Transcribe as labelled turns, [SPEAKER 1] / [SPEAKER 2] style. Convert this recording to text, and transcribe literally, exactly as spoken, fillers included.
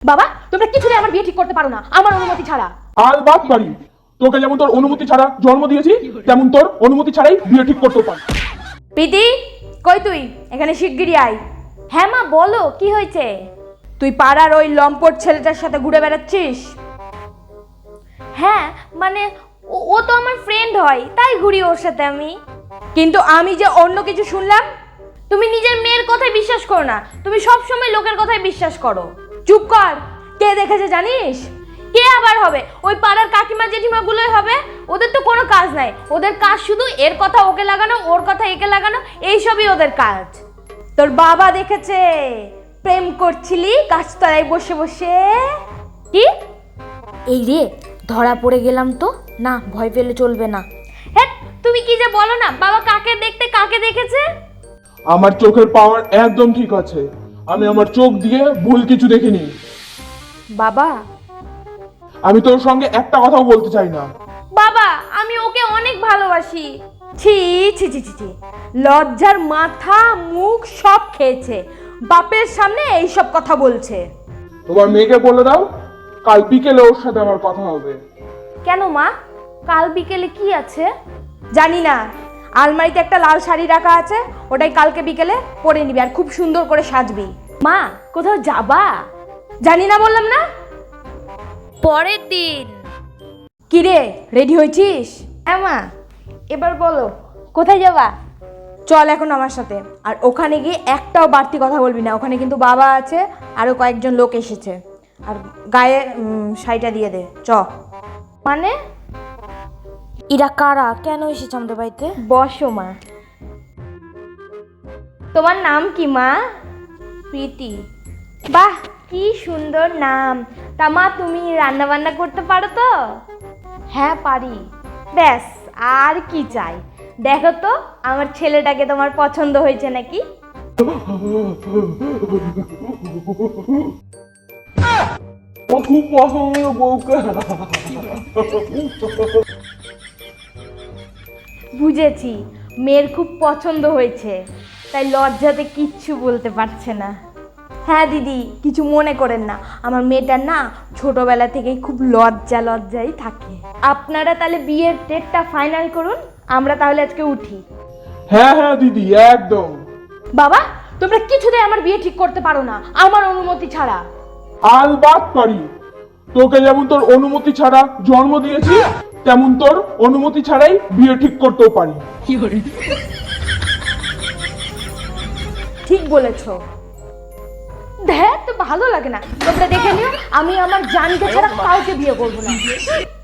[SPEAKER 1] বাবা, তোমরা কিছুতে আমার বিয়ে ঠিক করতে পারো না আমার অনুমতি ছাড়া।
[SPEAKER 2] আলবাত পারি। তোকে যেমন তোর অনুমতি ছাড়া জন্ম দিয়েছি, তেমন তোর অনুমতি ছাড়াই বিয়ে ঠিক করতে পারি।
[SPEAKER 1] প্রীতি, কই তুই? এখানে শিগগিরই আয়। হ্যাঁ মা, বলো কি হয়েছে? তুই পাড়ার ওই লম্পট ছেলেটার সাথে ঘুরে বেড়াচ্ছিস? হ্যাঁ মানে ও- ও তো আমার ফ্রেন্ড হয়, তাই ঘুরি ওর সাথে আমি। কিন্তু আমি যে অন্য কিছু শুনলাম। তুমি নিজের মেয়ের কথায় বিশ্বাস করো না, তুমি সব সময় লোকের কথায় বিশ্বাস করো। চুপ কর। কে দেখেছে জানিস? কে আবার হবে? ওই পাড়ার কাকিমা জেঠিমা গুলোই হবে। ওদের তো কোনো কাজ নাই, ওদের কাজ শুধু এর কথা ওকে লাগানো, ওর কথা একে লাগানো, এইসবই ওদের কাজ। তোর বাবা দেখেছে প্রেম করছিলি গাছতলায় বসে বসে। কি? এই রে, ধরা পড়ে গেলাম তো। না, ভয় পেলে চলবে না। হ্যাঁ, তুমি কি যে বলো না, বাবা কাকে দেখতে কাকে দেখেছে?
[SPEAKER 2] আমার চোখের পাওয়ার একদম ঠিক আছে। আমি আমার চোখ দিয়ে ভুল কিছু দেখিনি।
[SPEAKER 1] বাবা,
[SPEAKER 2] আমি তোর সঙ্গে একটা কথাও বলতে চাই না।
[SPEAKER 1] বাবা আমি ওকে অনেক ভালোবাসি। ছি ছি ছি ছি ছি, লজ্জার মাথা মুখ সব খেয়েছে। বাপের সামনে এইসব কথা বলছে।
[SPEAKER 2] তোমার মেয়েকে বলে দাও কাল বিকেলে ওর সাথে আমার কথা হবে।
[SPEAKER 1] কেন মা, কাল বিকেলে কি আছে? জানি না। আলমারিতে একটা লাল শাড়ি রাখা আছে, ওটাই কালকে বিকেলে পরে নিবি আর খুব সুন্দর করে সাজবি। মা, কোথাও যাবা? জানি না বললাম না। পরের দিন। কি রে, রেডি হয়েছিস? হ্যাঁ মা। এবার বলো কোথায় যাবা? চল এখন আমার সাথে। আর ওখানে গিয়ে একটাও বাড়তি কথা বলবি না, ওখানে কিন্তু বাবা আছে, আরো কয়েকজন লোক এসেছে। আর গায়ে উম, শাড়িটা দিয়ে দে। চ। মানে এরা কারা, কেন এসেছে আমাদের বাড়িতে? বসো মা। তোমার নাম কি মা? প্রীতি। বাহ, কি সুন্দর নাম। তা মা, তুমি রান্না বান্না করতে পারো তো? হ্যাঁ পারি। ব্যাস, আর কি চাই? দেখো তো আমার ছেলেটাকে তোমার পছন্দ হয়েছে নাকি?
[SPEAKER 2] ও খুব পছন্দ বউকে।
[SPEAKER 1] বুঝেছি, মেয়ের খুব পছন্দ হয়েছে, তাই লজ্জাতে কিচ্ছু বলতে পারছে না। হ্যাঁ দিদি, কিছু মনে করেন না, আমার মেয়েটার না ছোটবেলা থেকেই খুব লজ্জা লজ্জাই থাকে। আপনারা তাহলে বিয়ের ডেটটা ফাইনাল করুন, আমরা তাহলে আজকে উঠি।
[SPEAKER 2] হ্যাঁ হ্যাঁ দিদি, একদম।
[SPEAKER 1] বাবা, তোমরা কিছুতেই আমার বিয়ে ঠিক করতে পারো না আমার অনুমতি ছাড়া।
[SPEAKER 2] আলবাত পারি। তোকে যেমন তোর অনুমতি ছাড়া জন্ম দিয়েছি, তেমন তোর অনুমতি ছাড়াই বিয়ে ঠিক করতেও পারি।
[SPEAKER 1] ঠিক বলেছো। দেখ তো ভালো লাগে না, তোমরা দেখে নিও, আমি আমার জানকে ছাড়া কাউকে বিয়ে করবো না।